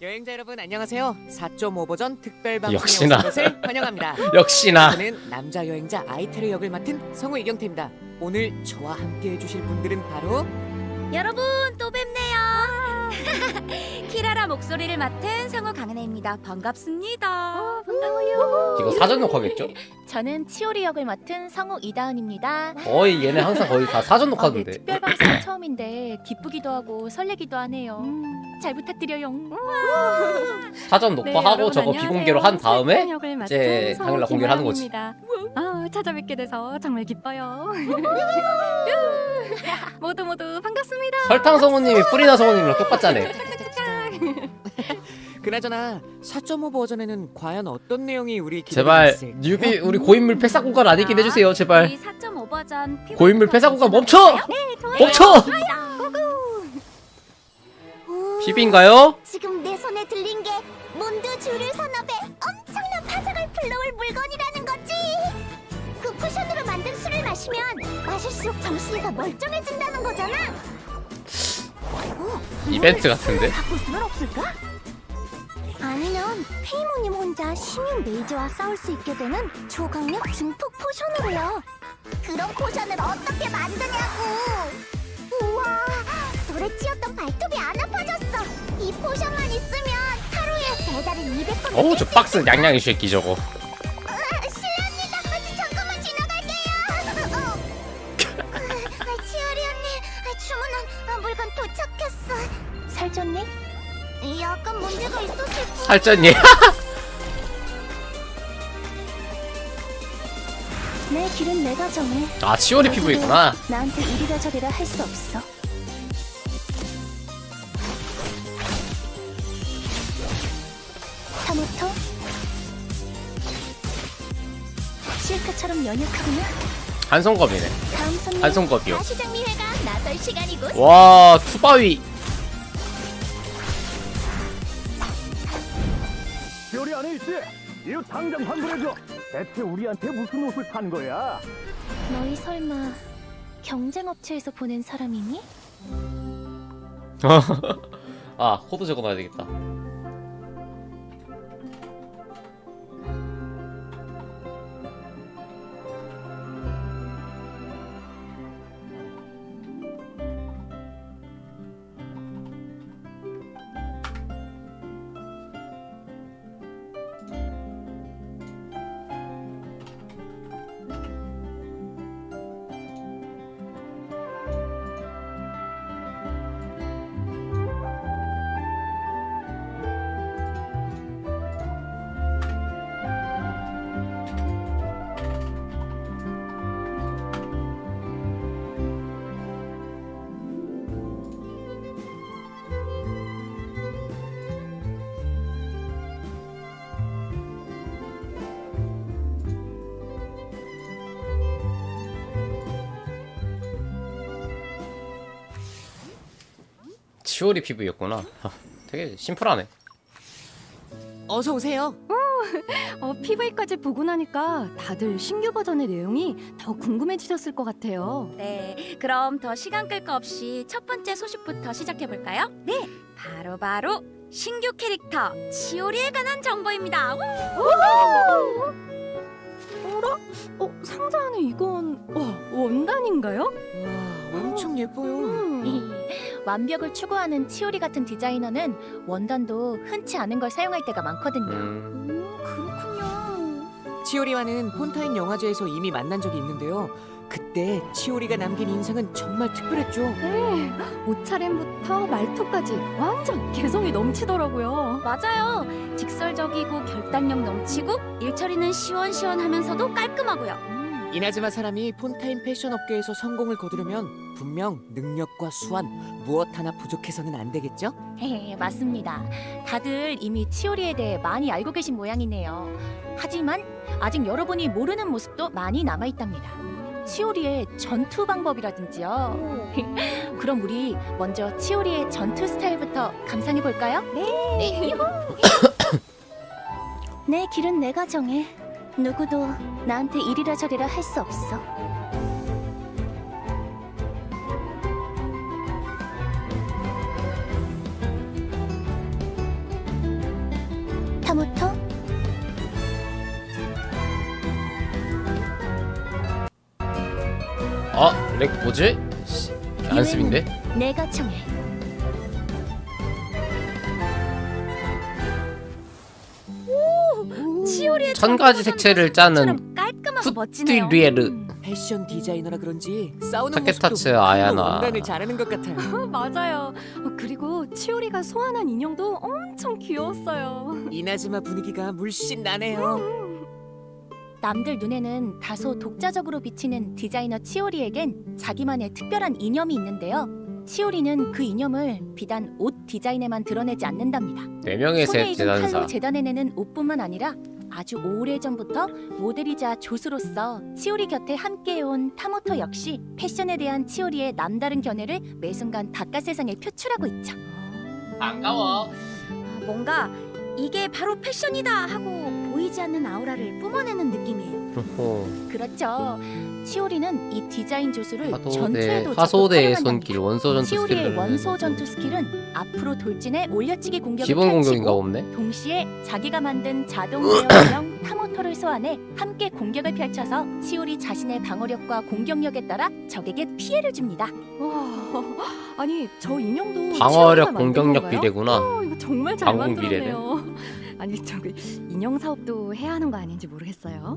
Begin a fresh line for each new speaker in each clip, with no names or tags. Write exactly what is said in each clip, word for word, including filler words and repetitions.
여행자 여러분 안녕하세요. 사 점 오 버전 특별 방송에
역시나.
오신 것을 환영합니다.
역시나.
저는 남자 여행자 아이테르 역을 맡은 성우 이경태입니다. 오늘 저와 함께 해주실 분들은 바로
여러분 또 뵙네요. 키라라 목소리를 맡은 성우 강은혜입니다. 반갑습니다.
반가워요.
이거 사전 녹화겠죠?
저는 치오리 역을 맡은 성우 이다은입니다.
거의 얘네 항상 거의 다 사전
아, 네,
녹화던데.
특별 방송 처음인데 기쁘기도 하고 설레기도 하네요. 음, 잘 부탁드려요.
사전
네,
녹화하고
여러분
저거
안녕하세요.
비공개로 한 다음에
설정 역을 맡은
이제
성우
당일날 공개를 하는 거지.
김아영입니다. 아, 찾아뵙게 돼서 정말 기뻐요. 모두 모두 반갑습니다.
설탕 성우님이 프리나 성우님이랑 똑같잖아.
그나저나 사 점 오 버전에는 과연 어떤 내용이 우리 기다리고
제발
있을까요?
뉴비 우리 고인물 폐사 공간 아니긴 해주세요 제발.
우리 사 점 오 버전 피부
고인물 폐사 공간 멈춰!
네, 좋아요.
멈춰! 피비인가요?
지금 내 손에 들린 게 몬드 주류 산업에 엄청난 파장을 불러올 물건이라는 거지. 그 쿠션으로 만든 술을 마시면 마실수록 정신이 더 멀쩡해진다는 거잖아. 어,
이벤트
이걸
같은데?
술로 바꿀 수는 없을까? 아니면 페이모님 혼자 시민 메이저와 싸울 수 있게 되는 초강력 증폭 포션으로요. 그런 포션을 어떻게 만드냐고. 우와, 돌에 찧었던 발톱이 안 아파졌어. 이 포션만 있으면 하루에 배달을 이백 건.
어우 저 박스 양양이 새끼 저거.
실례합니다. 아, 잠깐만 지나갈게요. 어. 아, 치어리 언니, 아, 주문한 아, 물건 도착했어. 살쪘니? 약간 문제가 있었을 뿐.
살쪘니?
내 길은 내가 정해.
아 치오리 피부이구나.
나한테 이리라 저리라 할 수 없어. 타모토? 실크처럼 연약하구나.
한손검이네.
다음 손님.
한손검이요.
가시장미회가 나설 시간이군.
와 투바위.
요리 안에 있지? 이거 당장 환불해줘. 대체 우리한테 무슨 옷을 산 거야?
너희 설마 경쟁업체에서 보낸 사람이니?
아 코드 적어놔야 되겠다. 치오리 피부였구나. 아, 되게 심플하네.
어서 오세요.
어, 피브이까지 보고 나니까 다들 신규 버전의 내용이 더 궁금해지셨을 것 같아요.
네, 그럼 더 시간 끌 거 없이 첫 번째 소식부터 시작해 볼까요? 네, 바로 바로 신규 캐릭터 치오리에 관한 정보입니다.
어라? 어, 상자 안에 이건 와, 원단인가요?
와 엄청 예뻐요.
음.
완벽을 추구하는 치오리 같은 디자이너는 원단도 흔치 않은 걸 사용할 때가 많거든요.
음.
음, 그렇군요.
치오리와는 폰타인 영화제에서 이미 만난 적이 있는데요. 그때 치오리가 남긴 인상은 정말 특별했죠.
네, 옷차림부터 말투까지 완전 개성이 넘치더라고요.
맞아요. 직설적이고 결단력 넘치고 일처리는 시원시원하면서도 깔끔하고요.
이나즈마 사람이 폰타인 패션 업계에서 성공을 거두려면 분명 능력과 수완 무엇 하나 부족해서는 안 되겠죠?
네, 맞습니다. 다들 이미 치오리에 대해 많이 알고 계신 모양이네요. 하지만 아직 여러분이 모르는 모습도 많이 남아있답니다. 치오리의 전투 방법이라든지요. 그럼 우리 먼저 치오리의 전투 스타일부터 감상해 볼까요? 네.
내 길은 내가 정해. 누구도 나한테 이리라 저리라 할 수 없어. 타모토?
아, 렉 뭐지? 씨, 안습인데?
내가 정해.
치오리의
천 가지 색채를 짜는
깔끔하고 멋지네요.
푸티리에르
패션 디자이너라 그런지 싸우는
타케타츠
모습도
아야나.
원단을 잘하는 것 같아요.
맞아요. 어, 그리고 치오리가 소환한 인형도 엄청 귀여웠어요.
이나즈마 분위기가 물씬 나네요.
남들 눈에는 다소 독자적으로 비치는 디자이너 치오리에겐 자기만의 특별한 이념이 있는데요. 치오리는 그 이념을 비단 옷 디자인에만 드러내지 않는답니다.
네 명의
손에
새
익은 칼로
재단사.
재단해내는 옷뿐만 아니라 아주 오래전부터 모델이자 조수로서 치오리 곁에 함께해온 타모토 역시 패션에 대한 치오리의 남다른 견해를 매순간 바깥 세상에 표출하고 있죠.
반가워.
아, 뭔가 이게 바로 패션이다 하고 보이지 않는 아우라를 뿜어내는 느낌이에요.
그렇죠. 치오리는 이 디자인 조수를
하소대
전투에도 적극
하소대의
활용한답니다.
손길 원소 전투
치오리의
스킬을
원소 전투 스킬은 앞으로 돌진해 올려치기 공격을
기본 공격인가
펼치고
없네.
동시에 자기가 만든 자동 제어형 타모토를 소환해 함께 공격을 펼쳐서 치오리 자신의 방어력과 공격력에 따라 적에게 피해를 줍니다.
와, 아니 저 인형도
방어력
치오리가 만든
공격력
건가요?
비례구나.
어, 이거 정말 잘
방공
만들었네요. 아니 저기 인형 사업도 해야 하는 거 아닌지 모르겠어요.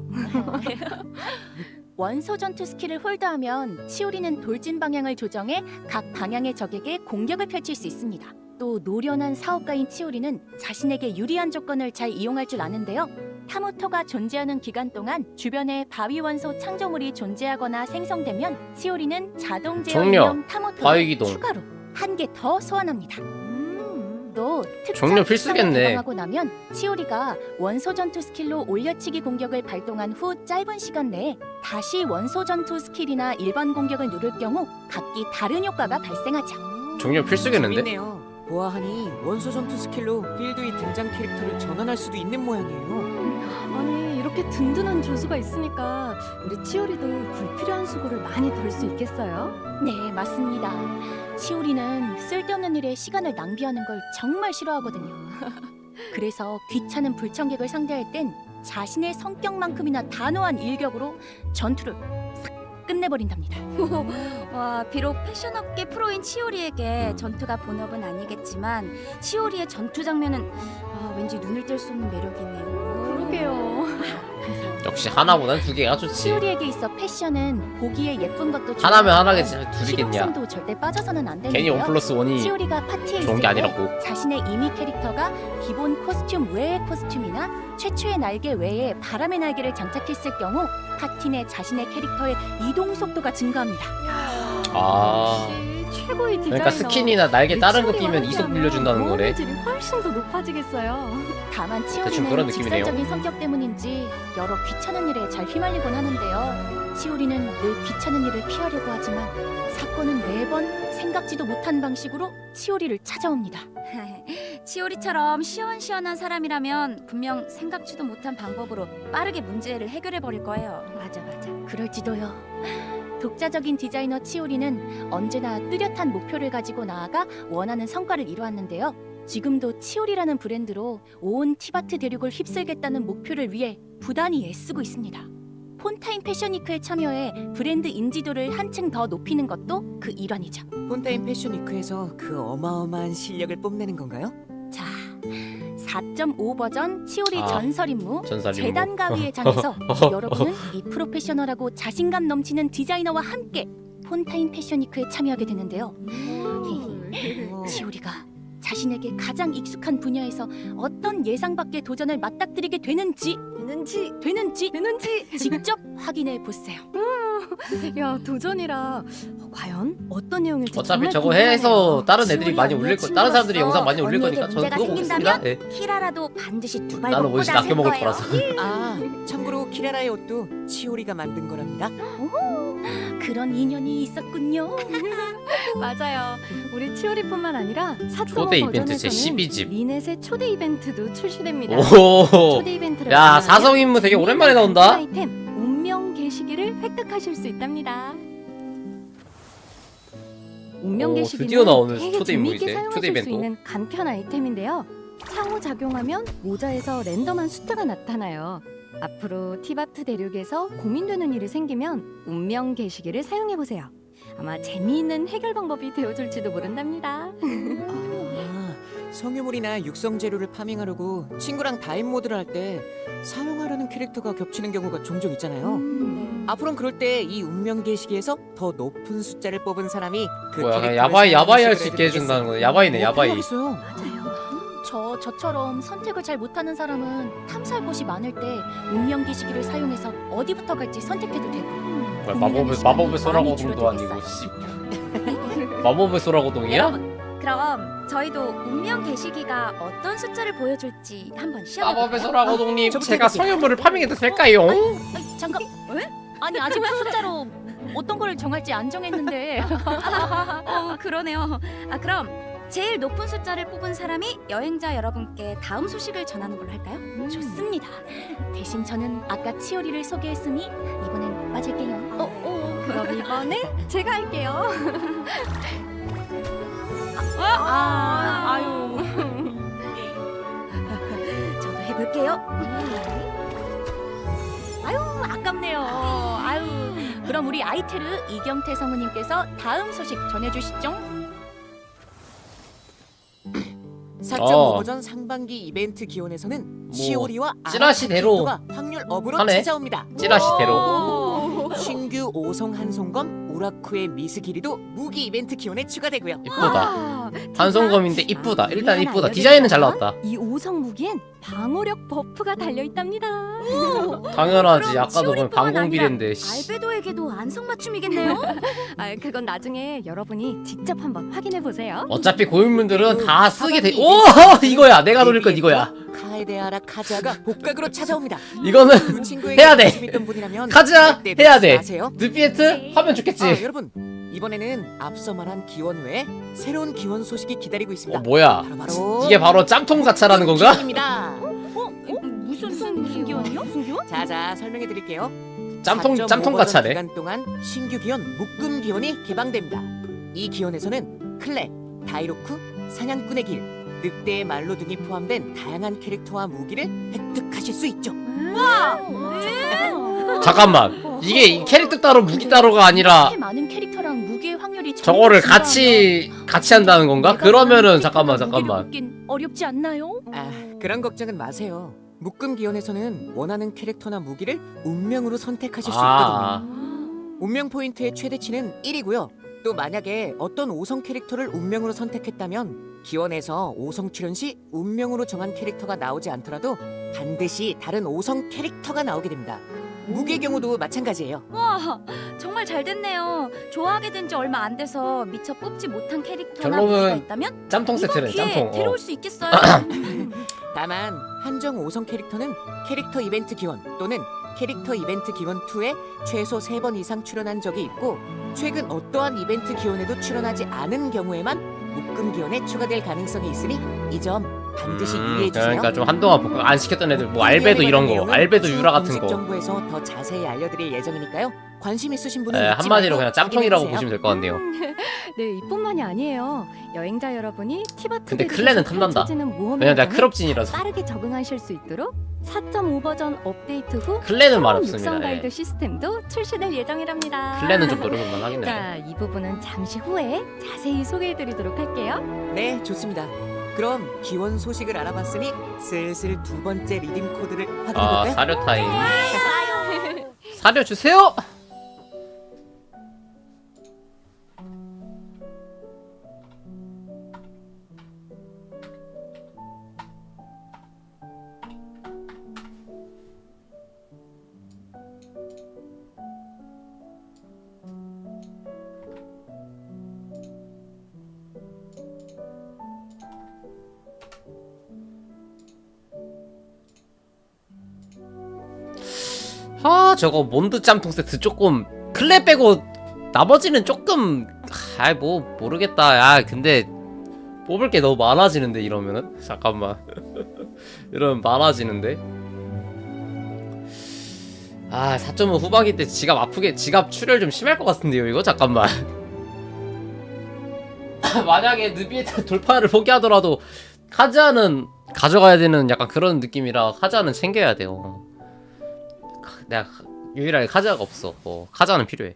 원소 전투 스킬을 홀드하면 치오리는 돌진 방향을 조정해 각 방향의 적에게 공격을 펼칠 수 있습니다. 또 노련한 사업가인 치오리는 자신에게 유리한 조건을 잘 이용할 줄 아는데요. 타모토가 존재하는 기간 동안 주변에 바위 원소 창조물이 존재하거나 생성되면 치오리는 자동 제어
종료.
인형 타모토를
바위기동.
추가로 한 개 더 소환합니다.
음.
또
종료
특정
필수겠네.
특성을 개방하고 나면 치오리가 원소 전투 스킬로 올려치기 공격을 발동한 후 짧은 시간 내에 다시 원소 전투 스킬이나 일반 공격을 누를 경우 각기 다른 효과가 발생하죠.
종료 필수겠는데?
재밌네요. 보아하니 원소 전투 스킬로 필드의 등장 캐릭터를 전환할 수도 있는 모양이에요.
아니 이렇게 든든한 조수가 있으니까 우리 치오리도 불필요한 수고를 많이 덜 수 있겠어요?
네, 맞습니다. 치오리는 쓸데없는 일에 시간을 낭비하는 걸 정말 싫어하거든요. 그래서 귀찮은 불청객을 상대할 땐 자신의 성격만큼이나 단호한 일격으로 전투를 싹 끝내버린답니다.
와, 비록 패션업계 프로인 치오리에게 전투가 본업은 아니겠지만 치오리의 전투 장면은 아, 왠지 눈을 뗄 수 없는 매력이 있네요.
그러게요.
역시 하나보단 두 개가 좋지.
치오리에게 있어 패션은 보기에 예쁜 것도 좋아.
하나면 하나겠지. 둘이겠냐.
실용성도 절대 빠져서는 안 되는데요.
괜히 원 플러스 원이
치오리가 파티에
좋은
있을
게
때
아니라고.
자신의 이미 캐릭터가 기본 코스튬 외의 코스튬이나 최초의 날개 외에 바람의 날개를 장착했을 경우 파티 내 자신의 캐릭터의 이동 속도가 증가합니다.
아.
역시 최고의 디자이너.
그러니까 스킨이나 날개 다른 거
치오리와
끼면 이속
함께하면
늘려준다는 거래.
모험의 질이 훨씬 더 높아지겠어요.
다만
대충 그런
치오리는
느낌이네요.
직설적인 성격 때문인지 여러 귀찮은 일에 잘 휘말리곤 하는데요. 치오리는 늘 귀찮은 일을 피하려고 하지만 사건은 매번 생각지도 못한 방식으로 치오리를 찾아옵니다.
치오리처럼 시원시원한 사람이라면 분명 생각지도 못한 방법으로 빠르게 문제를 해결해 버릴 거예요.
맞아 맞아. 그럴지도요. 독자적인 디자이너 치오리는 언제나 뚜렷한 목표를 가지고 나아가 원하는 성과를 이루었는데요. 지금도 치오리라는 브랜드로 온 티바트 대륙을 휩쓸겠다는 목표를 위해 부단히 애쓰고 있습니다. 폰타인 패션위크에 참여해 브랜드 인지도를 한층 더 높이는 것도 그 일환이죠.
폰타인 패션 위크에서 그 어마어마한 실력을 뽐내는 건가요?
자, 사 점 오 버전 치오리
아,
전설 임무
전설 임무.
재단 가위의 장에서 여러분은 이 프로페셔널하고 자신감 넘치는 디자이너와 함께 폰타인 패션위크에 참여하게 되는데요. 치오리가 자신에게 가장 익숙한 분야에서 어떤 예상 밖의 도전을 맞닥뜨리게 되는지
되는지
되는지
되는지.
직접 확인해 보세요.
야 도전이라 어, 과연 어떤 내용일지
어차피
정말
저거
궁금하네요.
해서 다른 애들이
치오리
많이
언니의
올릴 거, 다른 사람들이
친구로서
영상 많이 올릴
언니에게
거니까 저는
문제가
그거 보겠습니다.
생긴다면
예.
키라라도 반드시 두 발
나는
먹고
옷이
나설
아껴 먹을
거예요.
거라서.
아, 참고로 키라라의 옷도 치오리가 만든 거랍니다.
그런 인연이 있었군요.
맞아요. 우리 치오리뿐만 아니라 사점
초대 이벤트
버전에서는
제십이 집.
리넷의 초대 이벤트도 출시됩니다.
오.
초대 이벤트를
야,
이용하면
사성 임무 되게 오랜만에
리넷
나온다.
아이템 운명 게시기를 획득하실 수 있답니다. 운명
오,
게시기는
드디어 나오는
되게
초대
재미있게
임무이네.
사용하실
초대
수
이벤트.
있는 간편 아이템인데요. 상호작용하면 모자에서 랜덤한 숫자가 나타나요. 앞으로 티바트 대륙에서 고민되는 일이 생기면 운명 게시기를 사용해보세요. 아마 재미있는 해결 방법이 되어줄지도 모른답니다.
아, 성유물이나 육성 재료를 파밍하려고 친구랑 다인 모드를 할 때 사용하려는 캐릭터가 겹치는 경우가 종종 있잖아요.
음.
앞으로는 그럴 때 이 운명 게시기에서 더 높은 숫자를 뽑은 사람이 그
뭐야, 그냥
캐릭터를
야바이 야바이 할 수
사용하는
있게 해준다는 거네. 야바이네,
뭐
야바이.
필요하겠어요?
맞아요. 저 저처럼 선택을 잘 못하는 사람은 탐사할 곳이 많을 때 운명 기시기를 사용해서 어디부터 갈지 선택해도 되고.
뭐야,
고민하는
마법의
시간이
마법의 소라고동도
많이
아니고
줄어들겠어요.
씨. 마법의 소라고동이야?
여러분, 그럼 저희도 운명 게시기가 어떤 숫자를 보여줄지 한번
마법의
시험해볼까요?
소라고동님,
저부터
제가
해볼게요.
성현물을 파밍해도 될까요?
아니, 잠깐. 아니 아직 숫자로 어떤 걸 정할지 안 정했는데.
어, 그러네요. 아, 그럼 제일 높은 숫자를 뽑은 사람이 여행자 여러분께 다음 소식을 전하는 걸로 할까요?
좋습니다. 대신 저는 아까 치오리를 소개했으니 이번엔 빠질게요.
어, 어, 그럼 이번엔 제가 할게요.
아, 아유. 저도 해볼게요.
아유 아깝네요. 아유 그럼 우리 아이테르 이경태 성우님께서 다음 소식 전해주시죠.
사 점 오
어.
버전 상반기 이벤트 기원에서는
뭐,
시오리와
찌라시대로
아라카 캐릭터가 확률 업으로
하네.
찾아옵니다.
찌라시대로.
신규 오성 한송검 우라쿠의 미스기리도 무기 이벤트 기원에 추가되고요.
이쁘다.
와,
한송검인데 이쁘다.
아,
일단
우리
이쁘다.
하나
디자인은 잘
알려드릴까요?
나왔다.
이 오성 무기엔 방어력 버프가 달려 있답니다.
당연하지.
그럼
아까도 보면
치오리뿐만
방공비례인데. 씨.
알베도에게도 안성맞춤이겠네요.
아, 그건 나중에 여러분이 직접 한번 확인해 보세요.
어차피 고인물들은 다 쓰게 돼.
하반기
오
이벤트
이거야. 내가 노릴 건 이거야.
카에데아라 카즈아가 복각으로 찾아옵니다.
이거는
그 친구에게
해야 돼.
관심 있던 분이라면
카즈아
절대
해야
놓치지
돼.
마세요.
느피에트 하면 좋겠지.
아, 여러분 이번에는 앞서 말한 기원 외에 새로운 기원 소식이 기다리고 있습니다.
어 뭐야?
바로 바로
이게 바로 짬통 가차라는 건가?
기원입니다.
어? 무슨 무슨 무슨 기원이요? 무슨 기원?
자자 설명해 드릴게요.
짬통 짬통 가차네.
기간 동안 신규 기원 묶음 기원이 개방됩니다. 이 기원에서는 클레, 다이로크, 사냥꾼의 길, 늑대의 말로 등이 포함된 다양한 캐릭터와 무기를 획득하실 수 있죠.
잠깐만. 이게 이 캐릭터 따로 무기 따로가 아니라
이렇게 많은 캐릭터랑 무기의 확률이
저거를
정해진다면
같이 같이 한다는 건가?
내가
그러면은
원하는
잠깐만
캐릭터랑 무기를
잠깐만.
묶긴 어렵지 않나요?
아, 그런 걱정은 마세요. 묶음 기원에서는 원하는 캐릭터나 무기를 운명으로 선택하실 수 있거든요.
아,
운명 포인트의 최대치는 일이고요. 또 만약에 어떤 오성 캐릭터를 운명으로 선택했다면 기원에서 오성 출연 시 운명으로 정한 캐릭터가 나오지 않더라도 반드시 다른 오성 캐릭터가 나오게 됩니다. 무기의 경우도 마찬가지예요.
와, 정말 잘 됐네요. 좋아하게 된 지 얼마 안 돼서 미처 뽑지 못한 캐릭터나
결론은
무기가 있다면
짬통
이번
세트네.
기회에
짬통. 어.
데려올 수 있겠어요.
다만 한정 오성 캐릭터는 캐릭터 이벤트 기원 또는 캐릭터 이벤트 기원 이에 최소 세 번 이상 출연한 적이 있고 최근 어떠한 이벤트 기원에도 출연하지 않은 경우에만 묶음 기원에 추가될 가능성이 있으니 이 점 반드시
음,
유의해 주세요.
그러니까 좀 한동안 복각 안 시켰던 애들 뭐 알베도 이런 거, 알베도 유라 같은
공식
거.
정보에서 더 자세히 알려드릴 예정이니까요. 관심 있으신 분은
에,
잊지
한마디로
말고
그냥 짬통이라고
확인해
보시면
주세요.
될 것 같네요.
네, 이뿐만이 아니에요. 여행자 여러분이 티바트
근데
대륙에서
클레는 탐난다.
펼쳐지는 모험
왜냐면 내가
행동에
크롭진이라서.
빠르게 적응하실 수 있도록 사 점 오 버전 업데이트 후
클레는 말
새로운
없습니다.
육성
예.
가이드 시스템도 출시될 예정이랍니다.
클레는 좀 노려볼만 하겠네.
자, 이 부분은 잠시 후에 자세히 소개해드리도록 할게요.
네, 좋습니다. 그럼 기원 소식을 알아봤으니 슬슬 두 번째 리딩 코드를
아
확인해볼까요?
사료 타임. 사료 주세요. 아 저거 몬드 짬통 세트 조금 클레 빼고 나머지는 조금 아이 뭐 모르겠다. 야 근데 뽑을 게 너무 많아지는데 이러면은 잠깐만 이러면 많아지는데 아 사 점 오 후반기 때 지갑 아프게 지갑 출혈 좀 심할 것 같은데요 이거 잠깐만 만약에 느비에트 돌파를 포기하더라도 카즈아는 가져가야 되는 약간 그런 느낌이라 카즈아는 챙겨야 돼요. 카- 내가 카- 유일하게 카즈아가 없어. 어, 카즈아는 필요해.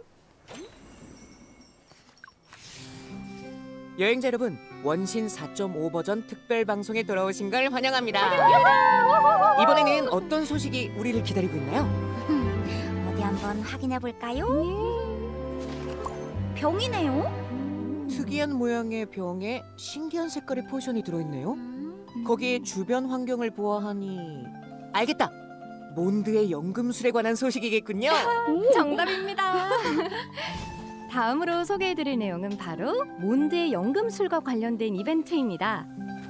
여행자 여러분, 원신 사 점 오 버전 특별 방송에 돌아오신 걸 환영합니다. 이번에는 어떤 소식이 우리를 기다리고 있나요?
어디 한번 확인해 볼까요?
병이네요.
특이한 모양의 병에 신기한 색깔의 포션이 들어있네요. 거기에 주변 환경을 보아하니 알겠다. 몬드의 연금술에 관한 소식이겠군요.
정답입니다. 다음으로 소개해드릴 내용은 바로 몬드의 연금술과 관련된 이벤트입니다.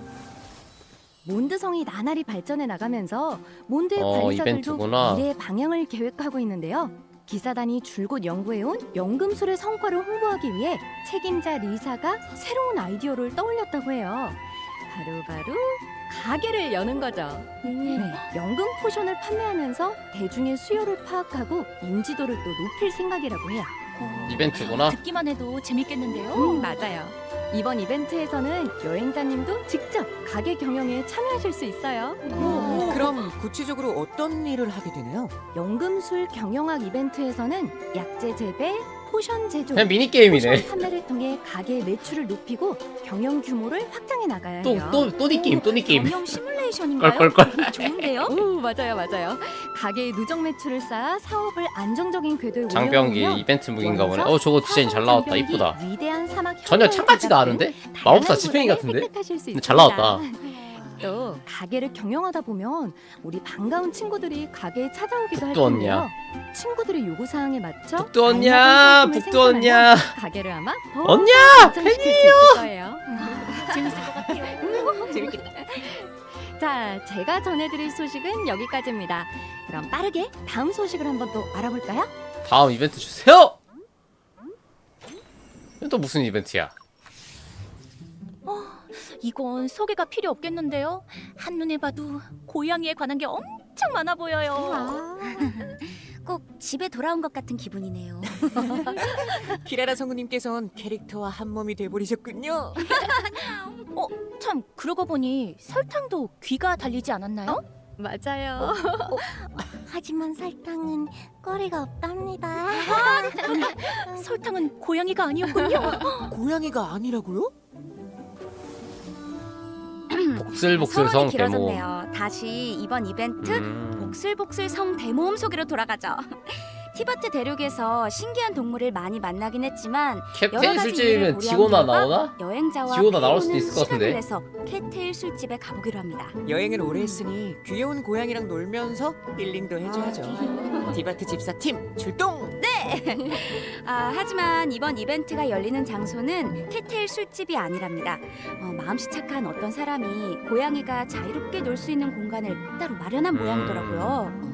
몬드성이 나날이 발전해 나가면서 몬드의
어,
관리자들도
이벤트구나.
미래의 방향을 계획하고 있는데요. 기사단이 줄곧 연구해온 연금술의 성과를 홍보하기 위해 책임자 리사가 새로운 아이디어를 떠올렸다고 해요. 바로바로 가게를 여는 거죠. 네, 연금 포션을 판매하면서 대중의 수요를 파악하고 인지도를 또 높일 생각이라고 해요.
이벤트구나.
듣기만 해도 재밌겠는데요.
음, 맞아요. 이번 이벤트에서는 여행자님도 직접 가게 경영에 참여하실 수 있어요.
그럼 구체적으로 어떤 일을 하게 되나요?
연금술 경영학 이벤트에서는 약재 재배, 포션 제조,
그냥 미니 게임이네.
포션 판매를 통해 가게의 매출을 높이고 경영 규모를 확장해 나가야 해요.
또 또 또니 게임, 또니 게임.
경영 시뮬레이션인가요?
껄껄껄.
좋은데요?
오, 맞아요, 맞아요. 가게의 누적 매출을 쌓아 사업을 안정적인 궤도에
장병기
올려놓으면
이벤트 무기인가 보네. 어 저거 디자인 잘 나왔다.
장병기,
이쁘다.
위대한 사막
전혀
현장을
창같지가
제작된
않은데?
다양한
마법사 지팡이
보상을
같은데?
획득하실 수
근데 잘
있습니다.
나왔다.
또 가게를 경영하다 보면 우리 반가운 친구들이 가게에 찾아오기도 할
북두
텐데요.
언니야.
친구들의 요구 사항에 맞춰
북두 언니야,
알맞은 상품을
북두 언니야.
생산하면 가게를 아마 더
언니야,
발전시킬 수 있을 거예요.
재밌을 것 같아요.
재밌겠다.
자, 제가 전해드릴 소식은 여기까지입니다. 그럼 빠르게 다음 소식을 한번 또 알아볼까요?
다음 이벤트 주세요. 이건 또 무슨 이벤트야?
이건 소개가 필요 없겠는데요. 한눈에 봐도 고양이에 관한 게 엄청 많아 보여요.
꼭 집에 돌아온 것 같은 기분이네요.
키라라 성우님께서는 캐릭터와 한 몸이 돼버리셨군요.
참 그러고 보니 설탕도 귀가 달리지 않았나요?
맞아요.
하지만 설탕은 꼬리가 없답니다.
설탕은 고양이가 아니었군요.
고양이가 아니라고요?
복슬복슬 성
서론이
데모.
길어졌네요. 다시 이번 이벤트
음.
복슬복슬 성 대모험 속으로 돌아가죠. 티바트 대륙에서 신기한 동물을 많이 만나긴 했지만 여러
캡테인
가지
술집이면
일을
디고나
고려한 결과
나오나?
여행자와
디오나 나올 수도
페이모는
있을 것 같은데.
시간을 내서 캣테일 술집에 가보기로 합니다.
여행을 오래 했으니 귀여운 고양이랑 놀면서 힐링도 해줘야죠. 디바트 집사팀 출동!
아, 하지만 이번 이벤트가 열리는 장소는 캣테일 술집이 아니랍니다. 어, 마음씨 착한 어떤 사람이 고양이가 자유롭게 놀 수 있는 공간을 따로 마련한
음.
모양이더라고요.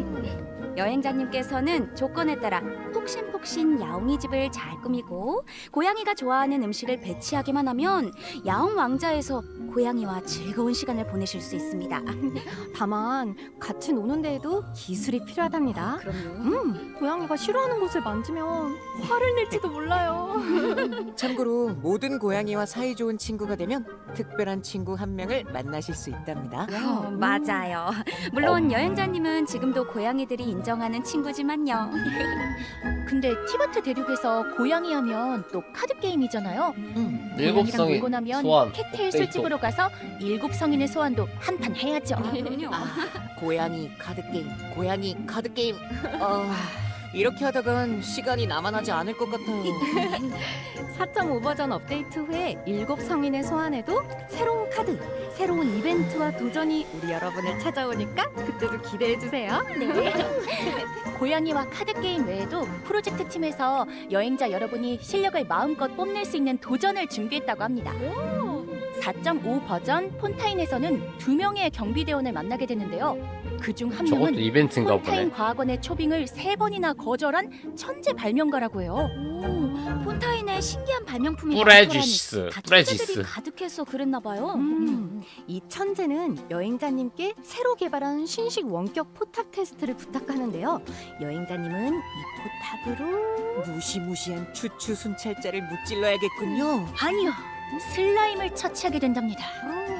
여행자님께서는 조건에 따라 폭신폭신 야옹이 집을 잘 꾸미고 고양이가 좋아하는 음식을 배치하기만 하면 야옹 왕자에서 고양이와 즐거운 시간을 보내실 수 있습니다.
다만 같이 노는 데에도 기술이 필요하답니다.
그럼요.
음, 고양이가 싫어하는 곳을 만지면 화를 낼지도 몰라요.
참고로 모든 고양이와 사이좋은 친구가 되면 특별한 친구 한 명을 만나실 수 있답니다.
어, 맞아요. 물론 여행자님은 지금도 고양이들이 인정하는 친구지만요.
근데 티바트 대륙에서 고양이 하면 또 카드 게임이잖아요.
음.
일곱
고양이랑
성인
놀고 나면
소환.
캣테일
업데이트.
술집으로 가서 일곱 성인의 소환도 한 판 해야죠.
그럼요.
아, 고양이 카드 게임, 고양이 카드 게임. 아, 이렇게 하다간 시간이 남아나지 않을 것 같아요.
사 점 오 버전 업데이트 후에 일곱 성인의 소환에도 새로운 카드, 새로운 이벤트와 도전이 우리 여러분을 찾아오니까 그때도 기대해 주세요.
고양이와 카드 게임 외에도 프로젝트 팀에서 여행자 여러분이 실력을 마음껏 뽐낼 수 있는 도전을 준비했다고 합니다. 사 점 오 버전 폰타인에서는 두 명의 경비대원을 만나게 되는데요. 그중 한
저것도
명은
이벤트인가
폰타인
보네.
과학원의 초빙을 세 번이나 거절한 천재 발명가라고 해요.
오, 폰타인의 신기한 발명품이
프레지스,
많더라니 다
프레지스.
천재들이 가득해서 그랬나 봐요.
음, 이 천재는 여행자님께 새로 개발한 신식 원격 포탑 테스트를 부탁하는데요. 여행자님은 이 포탑으로
무시무시한 추추 순찰자를 무찔러야겠군요.
아니요, 슬라임을 처치하게 된답니다.
어,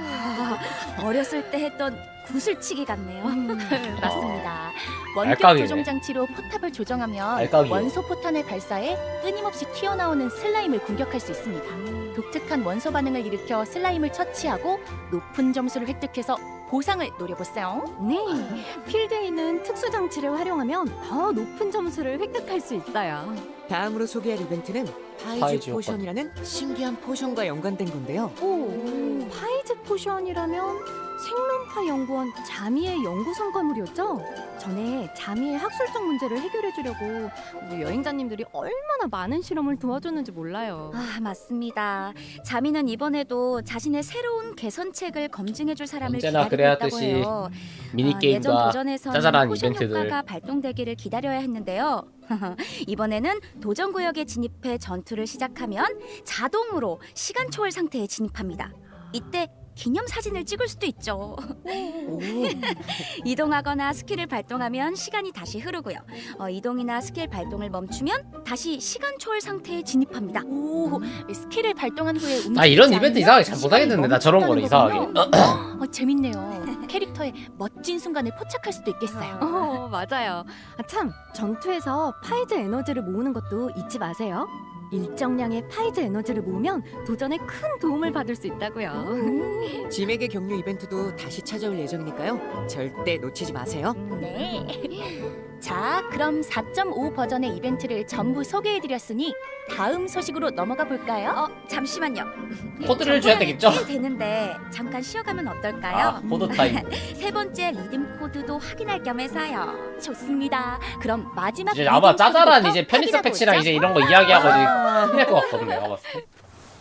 어렸을 때 했던 구슬치기 같네요.
맞습니다. 원격
알까기네.
조종 장치로 포탑을 조정하면
알까기요.
원소 포탄을 발사해 끊임없이 튀어나오는 슬라임을 공격할 수 있습니다. 독특한 원소 반응을 일으켜 슬라임을 처치하고 높은 점수를 획득해서 보상을 노려보세요.
네, 필드에 있는 특수 장치를 활용하면 더 높은 점수를 획득할 수 있어요.
다음으로 소개할 이벤트는 파이즈,
파이즈
포션이라는 신기한 포션과 연관된 건데요.
오, 파이즈 포션이라면 생명파 연구원 자미의 연구 성과물이었죠? 전에 자미의 학술적 문제를 해결해 주려고 우리 여행자님들이 얼마나 많은 실험을 도와줬는지 몰라요.
아, 맞습니다. 자미는 이번에도 자신의 새로운 개선책을 검증해줄 사람을
언제나
기다리고
그래야듯이
있다고 해요.
미니
아, 예전
게임과
도전에서는
짜잘한
포션
이벤트들.
효과가 발동되기를 기다려야 했는데요. 이번에는 도전 구역에 진입해 전투를 시작하면 자동으로 시간 초월 상태에 진입합니다. 이때 기념 사진을 찍을 수도 있죠.
오,
이동하거나 스킬을 발동하면 시간이 다시 흐르고요. 어, 이동이나 스킬 발동을 멈추면 다시 시간 초월 상태에 진입합니다.
오, 스킬을 발동한 후에 움직이지
아 이런 이벤트
않으면
이상하게 잘
시간이
못하겠는데 나 저런 거는 이상하게.
멈춘다는 거군요. 어, 재밌네요. 캐릭터의 멋진 순간을 포착할 수도 있겠어요.
어, 맞아요. 아, 참, 전투에서 파이즈 에너지를 모으는 것도 잊지 마세요. 일정량의 파이즈 에너지를 모으면 도전에 큰 도움을 받을 수 있다고요.
짐에게 격려 이벤트도 다시 찾아올 예정이니까요. 절대 놓치지 마세요.
네. 자, 그럼 사 점 오 버전의 이벤트를 전부 소개해드렸으니 다음 소식으로 넘어가 볼까요?
어, 잠시만요.
코드를 줘야 되겠죠?
꽤 되는데 잠깐 쉬어가면 어떨까요?
아 코드 타임.
세 번째 리듬 코드도 확인할 겸해서요.
좋습니다. 그럼 마지막
이제 아마
리듬
짜잘한
코드부터
이제 편의성
확인해
패치랑
보죠.
이제 이런 거 이야기하고 끝낼 것 같거든요. 내가 봤을 때.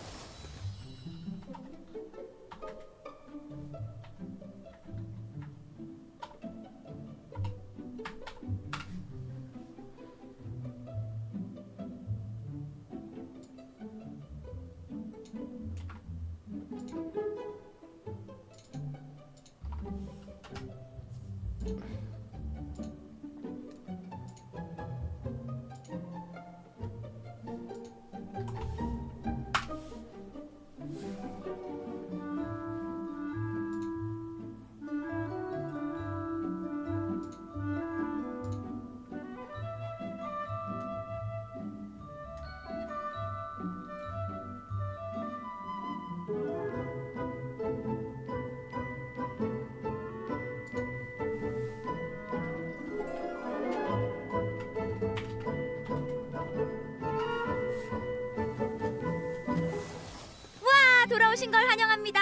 아, 돌아오신 걸 환영합니다.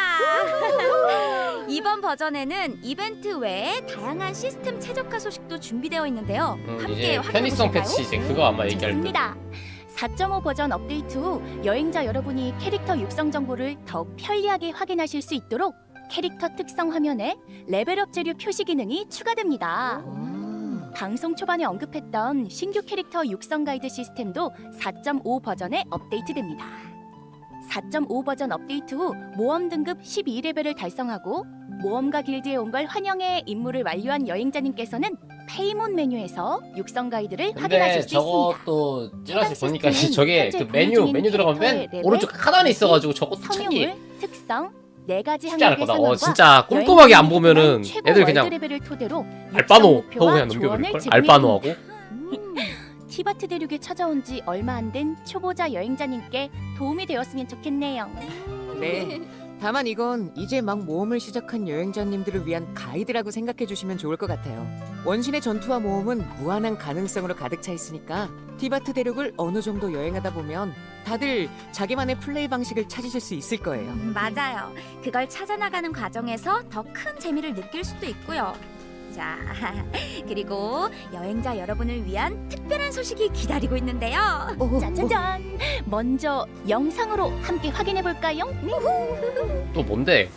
이번 버전에는 이벤트 외에 다양한 시스템 최적화 소식도 준비되어 있는데요.
음,
함께
이제 편의성
확인해보실까요?
패치 이제 그거 아마 얘기할 때.
좋습니다. 사 점 오 버전 업데이트 후 여행자 여러분이 캐릭터 육성 정보를 더욱 편리하게 확인하실 수 있도록 캐릭터 특성 화면에 레벨업 재료 표시 기능이 추가됩니다. 방송 초반에 언급했던 신규 캐릭터 육성 가이드 시스템도 사 점 오 버전에 업데이트됩니다. 사 점 오 버전 업데이트 후 모험 등급 십이 레벨을 달성하고 모험가 길드에 온 걸 환영해 임무를 완료한 여행자님께서는 페이몬 메뉴에서 육성 가이드를
근데
확인하실 수 있습니다.
저것도 찌라시
해당
보니까
시스템은
저게
현재
그
운영
메뉴
중인
메뉴 들어가면 맨
캐릭터의
오른쪽
레벨,
하단에 있어가지고 저것도 찾기
성유물, 특성, 네 가지
쉽지 않을
항목의
거다. 어
상황과
진짜 꼼꼼하게 안 보면은
최고
애들
월드
그냥
레벨을 토대로
알바노
육성 목표와
하고 그냥
조언을
넘겨버릴 걸.
제공해
알바노하고.
줍니다. 티바트 대륙에 찾아온 지 얼마 안 된 초보자 여행자님께 도움이 되었으면 좋겠네요.
네. 다만 이건 이제 막 모험을 시작한 여행자님들을 위한 가이드라고 생각해 주시면 좋을 것 같아요. 원신의 전투와 모험은 무한한 가능성으로 가득 차 있으니까 티바트 대륙을 어느 정도 여행하다 보면 다들 자기만의 플레이 방식을 찾으실 수 있을 거예요.
음, 맞아요. 그걸 찾아나가는 과정에서 더 큰 재미를 느낄 수도 있고요. 자, 그리고 여행자 여러분을 위한 특별한 소식이 기다리고 있는데요.
짜자잔! 먼저 영상으로 함께 확인해 볼까요?
또 뭔데?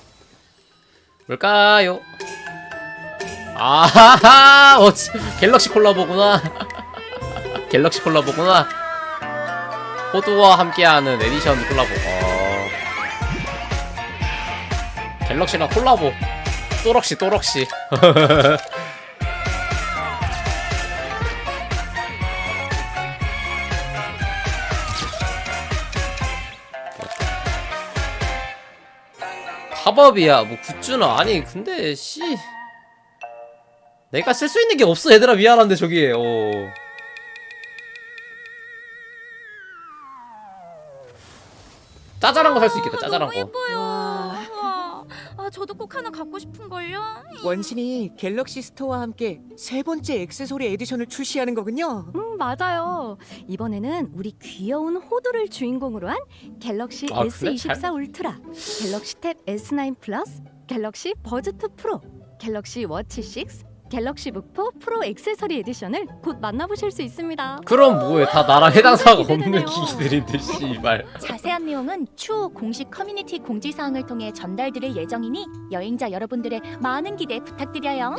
뭘까요? 아하하! 어, 지- 갤럭시 콜라보구나. 갤럭시 콜라보구나. 호두와 함께하는 에디션 콜라보. 어. 갤럭시랑 콜라보. 또럭시 또럭시. 팝업이야 뭐 굿즈나. 아니 근데 씨 내가 쓸 수 있는 게 없어 얘들아. 미안한데 저기에 어 짜잘한 거 살 수 있겠다. 짜잘한
너무
거.
예뻐요.
와.
우와. 아, 저도 꼭 하나 갖고 싶은 걸요.
원신이 갤럭시 스토어와 함께 세 번째 액세서리 에디션을 출시하는 거군요.
음, 맞아요. 이번에는 우리 귀여운 호두를 주인공으로 한 갤럭시
아, 그래?
에스 이십사
잘-
울트라, 갤럭시 탭 에스 나인 플러스, 갤럭시 버즈 투 프로, 갤럭시 워치 육, 갤럭시 북포 프로 액세서리 에디션을 곧 만나보실 수 있습니다.
그럼 뭐해? 다 나랑 해당 사항
정말
없는
기대되네요.
기기들인데 씨발.
자세한 내용은 추후 공식 커뮤니티 공지사항을 통해 전달드릴 예정이니 여행자 여러분들의 많은 기대 부탁드려요.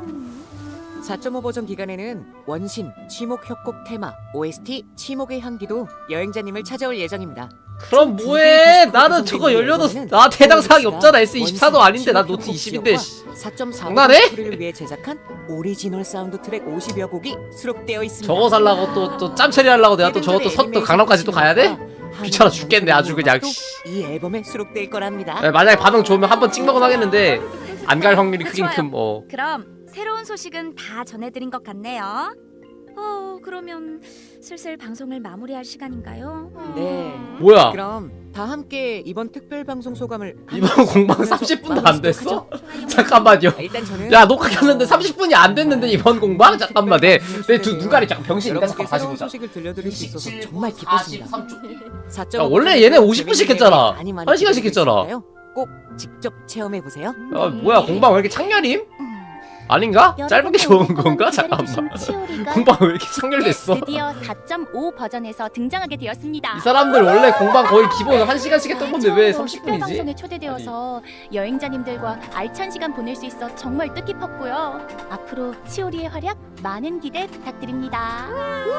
사 점 오 버전 기간에는 원신, 치목 협곡 테마, 오에스티, 치목의 향기도 여행자님을 찾아올 예정입니다.
그럼 뭐해? 나는 저거 열려도 나 해당 사항이 없잖아. 에스 이십사도 아닌데 나 노트 이십인데.
사 점 사
장난해?
를 위해 제작한 오리지널 사운드 트랙 오십여 곡이 수록되어 있습니다.
저거 살라고 또 또 짬처리 하려고 내가 또 저것도 섰또 강남까지 또 가야 돼? 귀찮아 죽겠네 아주 그냥. 씨.
이 앨범에 수록될 거랍니다.
에, 만약에 반응 좋으면 한번 찍먹은 하겠는데 안 갈 확률이 크긴
좋아요.
큼. 어.
그럼 새로운 소식은 다 전해드린 것 같네요. 어, 그러면 슬슬 방송을 마무리할 시간인가요? 어.
네.
뭐야?
그럼 다 함께 이번 특별 방송 소감을
이번
한
공방
말씀
삼십 분도 안
나누도록
됐어?
하죠.
잠깐만요.
일단 저는
야 녹화 켰는데 삼십 분이 안 됐는데 이번 공방? 잠깐만 내내두 눈가리 잠깐 병신인가? 잠깐
여러분께
다시
새로운
보자.
소식을 들려드릴 수 있어서 정말 기뻤습니다. 사 점 오
야, 원래 얘네 오십 분씩 했잖아. 한 시간씩 했잖아.
꼭 직접 체험해 보세요.
아 뭐야 공방 왜 이렇게 창렬임? 아닌가? 짧은 게 좋은 건가? 잠깐만. 공방 왜 이렇게 창렬됐어?
드디어 사 점 오 버전에서 등장하게 되었습니다.
이 사람들 원래 공방 거의 기본 한 시간씩 했던 건데 왜
처음으로
삼십 분이지?
특별 방송에 초대되어서 여행자님들과 알찬 시간 보낼 수 있어 정말 뜻깊었고요. 앞으로 치오리의 활약 많은 기대 부탁드립니다.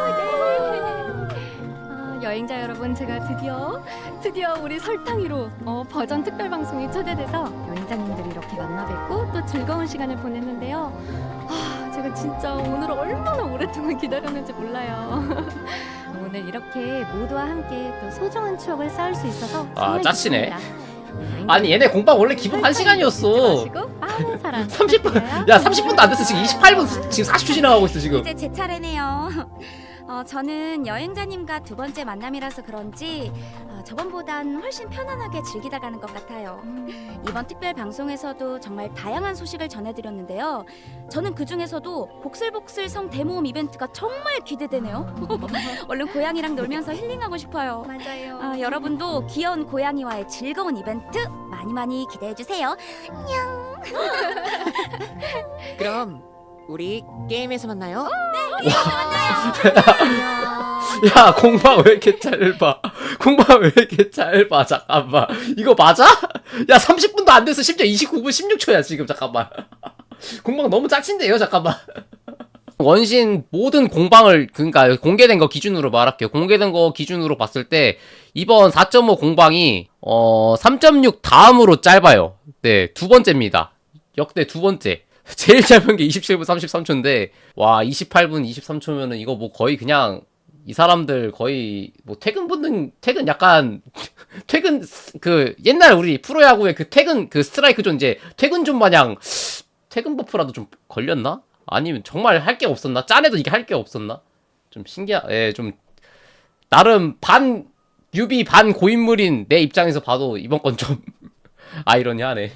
아, 여행자 여러분, 제가 드디어 드디어 우리 설탕이로 어, 버전 특별 방송에 초대돼서 여행자님들이 이렇게 만나 뵙고 또 즐거운 시간을 보냈는데요. 아, 제가 진짜 오늘 얼마나 오랫동안 기다렸는지 몰라요. 오늘 이렇게 모두와 함께 또 소중한 추억을 쌓을 수 있어서
아,
정말
짜치네.
기쁩니다.
아니 얘네 공방 원래 기본 한 시간이었어.
많은 사랑
삼십 분.
부탁드려요.
야 삼십 분도 안 됐어. 지금 이십팔 분 지금 사십 초 지나가고 있어 지금.
이제 제 차례네요. 어, 저는 여행자님과 두 번째 만남이라서 그런지 어, 저번보단 훨씬 편안하게 즐기다 가는 것 같아요. 이번 특별 방송에서도 정말 다양한 소식을 전해드렸는데요. 저는 그 중에서도 복슬복슬 성 대모험 이벤트가 정말 기대되네요. 얼른 고양이랑 놀면서 힐링하고 싶어요.
맞아요.
아, 여러분도 귀여운 고양이와의 즐거운 이벤트 많이 많이 기대해 주세요.
그럼 우리 게임에서 만나요.
야 공방 왜 이렇게 짧아? 공방 왜 이렇게 짧아? 잠깐만 이거 맞아? 야 삼십 분도 안 됐어. 심지어 이십구 분 십육 초야 지금. 잠깐만 공방 너무 짜친데요. 잠깐만. 원신 모든 공방을 그러니까 공개된 거 기준으로 말할게요. 공개된 거 기준으로 봤을 때 이번 사 점 오 공방이 어 삼 점 육 다음으로 짧아요. 네, 두 번째입니다. 역대 두 번째. 제일 짧은 게 이십칠 분 삼십삼 초인데 와 이십팔 분 이십삼 초면은 이거 뭐 거의 그냥 이 사람들 거의 뭐 퇴근 붙는 퇴근 약간 퇴근 그 옛날 우리 프로야구의 그 퇴근 그 스트라이크 존 이제 퇴근 존 마냥 퇴근 버프라도 좀 걸렸나? 아니면 정말 할 게 없었나? 짠해도 이게 할 게 없었나? 좀 신기하, 예, 좀 나름 반 유비 반 고인물인 내 입장에서 봐도 이번 건 좀 아이러니하네.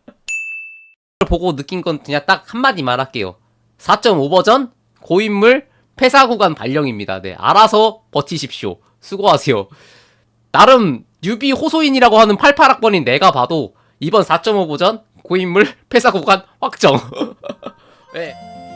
보고 느낀 건 그냥 딱 한마디만 할게요. 사 점 오 버전 고인물 폐사 구간 발령입니다. 네, 알아서 버티십시오. 수고하세요. 나름 뉴비 호소인이라고 하는 팔십팔 학번인 내가 봐도 이번 사 점 오 버전 고인물 폐사 구간 확정. 네.